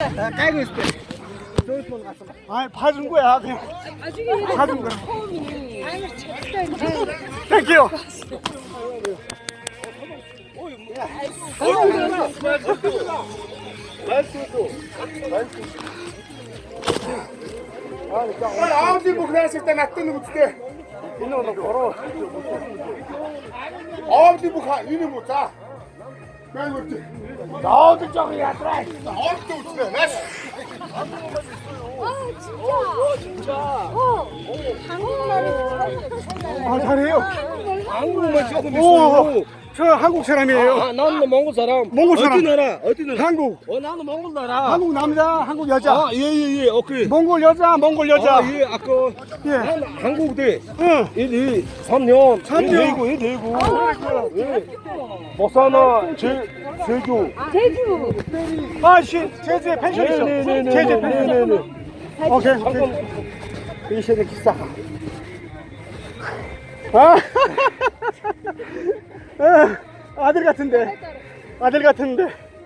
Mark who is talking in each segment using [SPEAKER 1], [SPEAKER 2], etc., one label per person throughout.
[SPEAKER 1] 깔고 있을 때. 아, 봐준 거야, 그냥. 봐준 거야. 땡큐.
[SPEAKER 2] 아버지 뭐 그랬을 때 놔두는 거 때.
[SPEAKER 1] 이놈도 걸어.
[SPEAKER 2] 아버지 뭐 가, 이놈 못 자. 그래 그렇지.
[SPEAKER 1] 나도 저기야, 드라이.
[SPEAKER 2] 아버지 못 자. 나.
[SPEAKER 3] 진짜. 한국말이
[SPEAKER 1] 아, 잘해요.
[SPEAKER 4] 한국말 조금
[SPEAKER 1] 오,
[SPEAKER 4] 있어요.
[SPEAKER 1] 저 한국 사람이에요.
[SPEAKER 4] 아, 나는 몽골 사람.
[SPEAKER 1] 몽골 사람.
[SPEAKER 4] 어디 나라? 어디 나라?
[SPEAKER 1] 한국.
[SPEAKER 4] 나는 몽골 나라.
[SPEAKER 1] 한국 남자, 한국 여자.
[SPEAKER 4] 아, 예, 오케이.
[SPEAKER 1] 몽골 여자, 몽골 여자.
[SPEAKER 4] 아, 예, 아까
[SPEAKER 1] 예.
[SPEAKER 4] 난 한국 대.
[SPEAKER 1] 응.
[SPEAKER 4] 3년.
[SPEAKER 1] 3년.
[SPEAKER 4] 대구. 예. 모사나 제주.
[SPEAKER 3] 제주.
[SPEAKER 1] 아, 씨, 제주에 펜션 있어. 제주에 펜션. 오케이, 오케이. 이 시대 기사. 아, 아들 같은데. 아들 같은데.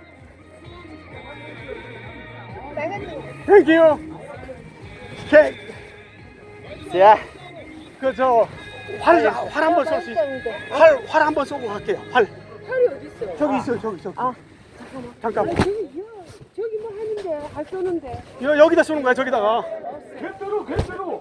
[SPEAKER 1] 땡큐. 케이크. 자, 활 한번 쏠 수 있어. 활 한번 쏘고 갈게요. 활.
[SPEAKER 3] 팔이 어디 있어요?
[SPEAKER 1] 저기 있어요, 저기.
[SPEAKER 3] 아,
[SPEAKER 1] 잠깐만.
[SPEAKER 3] 저기 뭐 하는데, 할 쏘는데.
[SPEAKER 1] 여기다 쏘는 거야, 저기다가.
[SPEAKER 4] 개대로.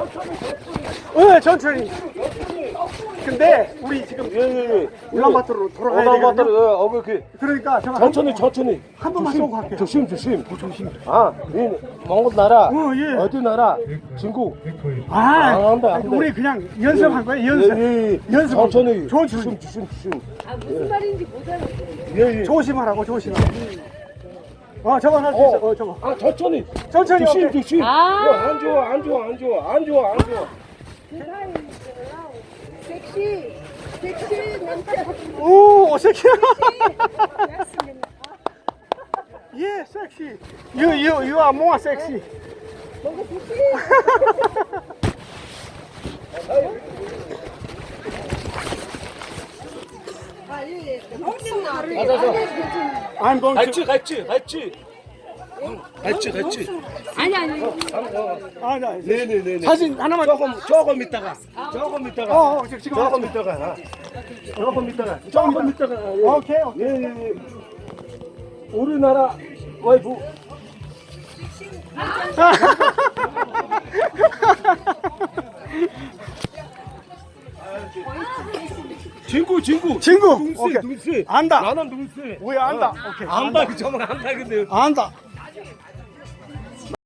[SPEAKER 1] 천천히. 근데 우리 지금 울란바토르로 돌아가야
[SPEAKER 4] 오다마터
[SPEAKER 1] 되거든요.
[SPEAKER 4] 오케이.
[SPEAKER 1] 그러니까 제가
[SPEAKER 4] 천천히.
[SPEAKER 1] 한 번만 쏘고 갈게요.
[SPEAKER 4] 조심. 아, 이 몽골 나라.
[SPEAKER 1] 예.
[SPEAKER 4] 어디 나라? 중국.
[SPEAKER 1] 안
[SPEAKER 4] 돼.
[SPEAKER 1] 우리 그냥 연습한 거예요, 연습.
[SPEAKER 4] 예.
[SPEAKER 1] 연습.
[SPEAKER 4] 천천히.
[SPEAKER 1] 조심.
[SPEAKER 3] 아, 무슨 말인지 못 알아듣겠어.
[SPEAKER 4] 예.
[SPEAKER 1] 조심하라고, 조심하라고. 저거 할 수 있어, 저거.
[SPEAKER 4] 아, 천천히.
[SPEAKER 1] 천천히. 오케이.
[SPEAKER 4] 조심.
[SPEAKER 3] 아.
[SPEAKER 4] 안 좋아.
[SPEAKER 3] 그 사이, 섹시, 남자.
[SPEAKER 1] 오, 섹시. 예, 섹시. You are more sexy.
[SPEAKER 3] 뭔가 섹시.
[SPEAKER 1] I'm going to.
[SPEAKER 4] 같이.
[SPEAKER 3] 아니.
[SPEAKER 4] 네네네.
[SPEAKER 1] 사진 하나만.
[SPEAKER 4] 조금 있다가.
[SPEAKER 1] 지금
[SPEAKER 4] 조금 있다가.
[SPEAKER 1] 오케이.
[SPEAKER 4] 예. 우리나라 와이프. 친구. 오케이. 누구세?
[SPEAKER 1] 안다.
[SPEAKER 4] 나는 누구세?
[SPEAKER 1] 왜 안다? 오케이.
[SPEAKER 4] 안다. 정말 안다 근데.
[SPEAKER 1] 안다.